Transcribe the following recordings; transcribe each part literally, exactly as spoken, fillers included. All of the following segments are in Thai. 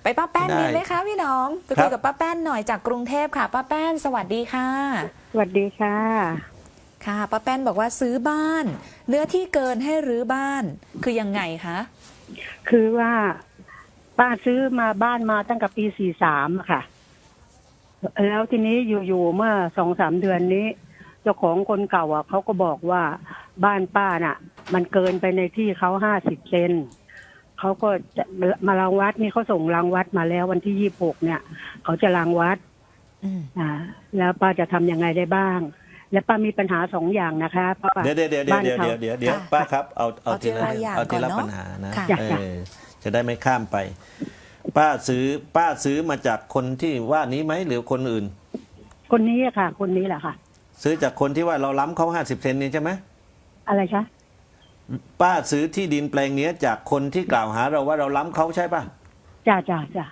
ไปป้าแป้นได้มีไหมคะพี่น้องไปครัคุยบกับป้าแป้นหน่อยจากกรุงเทพค่ะป้าแป้นสวัสดีค่ะสวัสดีค่ะค่ะป้าแป้นบอกว่าซื้อบ้าน เนื้อที่เกินให้รื้อบ้านคือยังไงคะคือว่าป้าซื้อมาบ้านมาตั้งแต่ปีสี่สามค่ะ แล้วทีนี้อยู่ๆเมื่อสองสามเดือนนี้ เจ้าของคนเก่าอ่ะเขาก็บอกว่าบ้านป้าน่ะ มันเกินไปในที่เขาห้าสิบเซนเขาก็จะมารังวัดนี่เขาส่งรังวัดมาแล้ววันที่ยี่สิบหกเนี่ย เขาจะรังวัดอืมอ่า แล้วป้าจะทำยังไงได้บ้าง และป้ามีปัญหาสองอย่างนะคะป้าเดี๋ยวเดี๋ยวเดี๋ยวเดี๋ยวบ้านเดี๋ยวเขาเดี๋ยวเดี๋ยวป้าครับเอาเอาเอาทีทีละละอย่างเอาทีละก่อนเนอะปัญหานะค่ะเออจะได้ไม่ข้ามไป ป้าซื้อป้าซื้อมาจากคนที่ว่านี้ไหมหรือคนอื่นคนนี้อะค่ะ คนนี้แหละค่ะซื้อจากคนที่ว่าเราล้ำเขาห้าสิบเซนนี่ใช่ไหมอะไรคะป้าซื้อที่ดินแปลงเนี้ยจากคนที่กล่าวหาเราว่าเราล้ำเขาใช่ป่ะจ้าจ้าจ้าร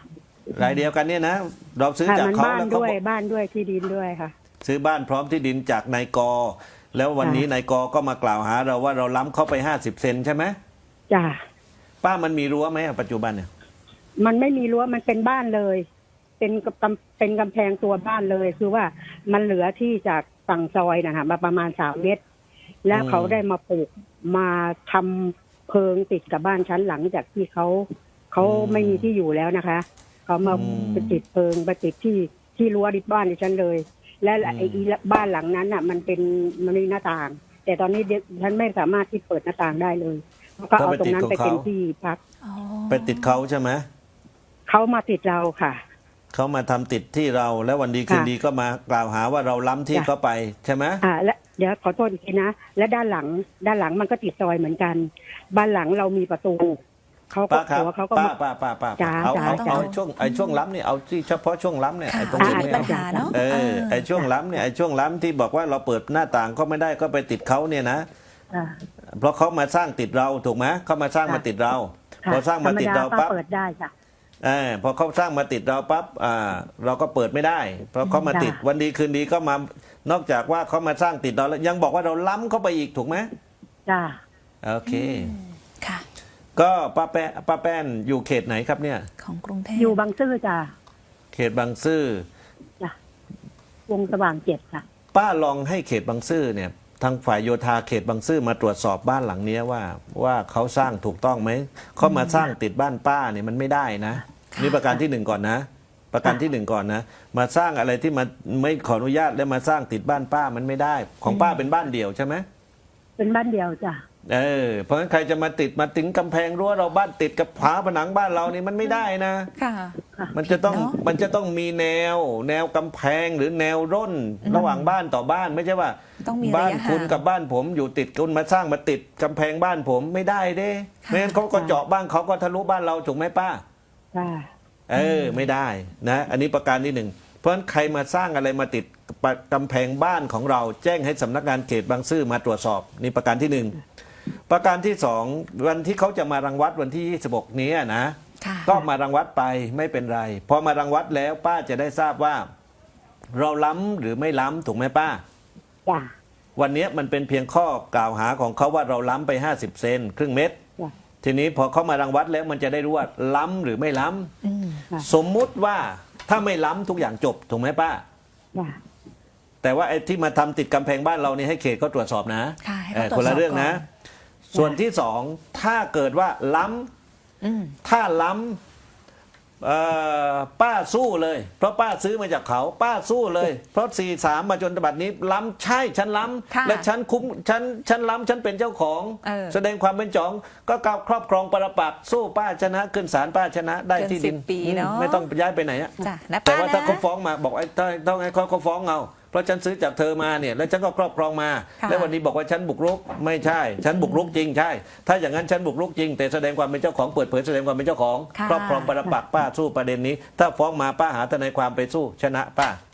ายเดียวกันเนี่ยนะเราซื้อค่ะจากมันเขาบ้านแล้วเขาด้วยบอกบ้านด้วยที่ดินด้วยค่ะซื้อบ้านพร้อมที่ดินจากนายกอ แล้ววันนี้ค่ะนายกอก็มากล่าวหาเราว่าเราล้ำเขาไปห้าสิบเซนใช่ไหมจ้าป้ามันมีรั้วไหมอะปัจจุบันเนี่ยมันไม่มีรั้วมันเป็นบ้านเลย เป็นกำเป็นกำแพงตัวบ้านเลย คือว่ามันเหลือที่จากฝั่งซอยนะคะมาประมาณสามเมตร แล้วเขาได้มาปลูกมาทำเพิงติดกับบ้านชั้นหลังจากที่เขาเขาไม่มีที่อยู่แล้วนะคะ เขามาไปติดเพิงไปติดที่ที่รั้วดิบบ้านดิฉันเลย และไอ้บ้านหลังนั้นอ่ะ มันเป็นมันมีหน้าต่าง แต่ตอนนี้ฉันไม่สามารถที่เปิดหน้าต่างได้เลยก็เอาตรงนั้นไปเป็นที่พักอ๋อไปติดเขาใช่ไหมเขามาติดเราค่ะเขามาทำติดที่เราแล้ววันดีคืนค่ะดีก็มากล่าวหาว่าเราล้ำที่จ้ะเขาไปใช่ไหมอ่าและเดี๋ยวขอโทษอีกทีนะ และด้านหลัง ด้านหลังมันก็ติดซอยเหมือนกัน บ้านหลังเรามีประตูเขาก็ป้าครับหัวเขาก็ป้ามาป้าป้าป้าจ้ะเอาจ้ะเอาจ้ะเอาช่วงไอ้ช่วงล้ำเนี่ยเอาที่เฉพาะช่วงล้ำเนี่ยค่ะไอ้ตรงที่นี้มีไม่ปัญเอาหาเนาะเออไอ้ช่วงล้ำเนี่ยไอ้ช่วงล้ำที่บอกว่าเราเปิดหน้าต่างก็ไม่ได้ก็ไปติดเขาเนี่ยนะอ่าเพราะเขามาสร้างติดเราถูกไหมเขามาสร้างค่ะมาติดเราค่ะพอสร้างธรมารมติดดาเราป้าปั๊บเปิดได้จ้ะเออพอเขาสร้างมาติดเราปั๊บอ่าเราก็เปิดไม่ได้ เพราะเขามาติดจ้ะวันดีคืนดีก็มานอกจากว่าเขามาสร้างติดเราแล้วยังบอกว่าเราล้ำเข้าไปอีกถูกไหมจ้าโอเคค่ะก็ป้าแป้ป้าแป้นอยู่เขตไหนครับเนี่ยของกรุงเทพอยู่บางซื่อจ้าเขตบางซื่อจ้ะวงสว่างเจ็ดค่ะป้าลองให้เขตบางซื่อเนี่ยทางฝ่ายโยธาเขตบางซื่อมาตรวจสอบบ้านหลังเนี้ยว่า ว่าเขาสร้างถูกต้องไหมเขามาสร้างติดบ้านป้าเนี่ยมันไม่ได้นะนี่ประการที่หนึ่งก่อนนะ ประการที่หนึ่งก่อนนะ มาสร้างอะไรที่มันไม่ขออนุญาตแล้วมาสร้างติดบ้านป้ามันไม่ได้ ของป้าเป็นบ้านเดี่ยวใช่ไหมเป็นบ้านเดียวจ้ะเออเพราะฉะนั้นใครจะมาติดมาถึงกำแพงรั้วเราบ้านติดกับฝาผนังบ้านเรานี่มันไม่ได้นะค่ะมันจะต้องเนอะมันจะต้องมีแนว แนวกำแพงหรือแนวร่นระหว่างบ้านต่อบ้านไม่ใช่ว่าต้องมีระยะบ้านคุณห่างกับบ้านผมอยู่ติดคุณมาสร้างมาติดกำแพงบ้านผมไม่ได้เด้ค่ะไม่งั้นเขาก็เจาะบ้านเขาก็ทะลุบ้านเราถูกไหมป้าจ้าเออไม่ได้นะอันนี้ประการที่หนึ่งเพราะฉะนั้นใครมาสร้างอะไรมาติดกำแพงบ้านของเราแจ้งให้สำนักงานเขตบางซื่อมาตรวจสอบนี่ประการที่หนึ่งประการที่สองวันที่เขาจะมารังวัดวันที่ยี่สิบหกนี้นะค่ะก็มารังวัดไปไม่เป็นไรพอมารังวัดแล้วป้าจะได้ทราบว่า เราล้ำหรือไม่ล้ำถูกไหมป้าจ้าวันนี้มันเป็นเพียงข้อกล่าวหาของเขาว่าเราล้ำไปห้าสิบเซนครึ่งเมตรจ้าทีนี้พอเขามารังวัดแล้วมันจะได้รู้ว่าล้ำหรือไม่ล้ำอืมค่ะสมมุติว่าถ้าไม่ล้ำทุกอย่างจบถูกไหมป้าจ้าแต่ว่าไอ้ที่มาทำติดกำแพงบ้านเรานี่ให้เขตก็ตรวจสอบนะค่ะให้เอเขาอตรวจสอบคนละเรื่องนะก่อนส่วนที่สองถ้าเกิดว่าล้ำอืมถ้าล้ำเอ่อป้าสู้เลย เพราะป้าซื้อมาจากเขา ป้าสู้เลย เพราะสี่สามมาจนบัดนี้ล้ำใช่ฉันล้ค่ะำและฉันคุ้มฉันฉันล้ำฉันเป็นเจ้าของเออแสดงความเป็นจอง ก็กล่าวครอบครองปรปักษ์สู้ป้าชนะขึ้นศาลป้าชนะได้เกินที่ดินสิบปีเนอะอืมไม่ต้องย้ายไปไหนอะจ้ะนะแต่ป้าว่านะถ้าเขาฟ้องมาบอกไอ้ต้องต้องให้เขาเขาฟ้องเอาเพราะฉันซื้อจากเธอมาเนี่ยแล้วฉันก็ครอบครองมาค่ะแล้ววันนี้บอกว่าฉันบุกรุกไม่ใช่ ฉันบุกรุกจริงใช่ ถ้าอย่างนั้นฉันบุกรุกจริง แต่แสดงความเป็นเจ้าของเปิดเผยแสดงความเป็นเจ้าของค่ะครอบครองปรปักษ์ป้าสู้ประเด็นนี้ ถ้าฟ้องมาป้าหาทนายความไปสู้ชนะป้า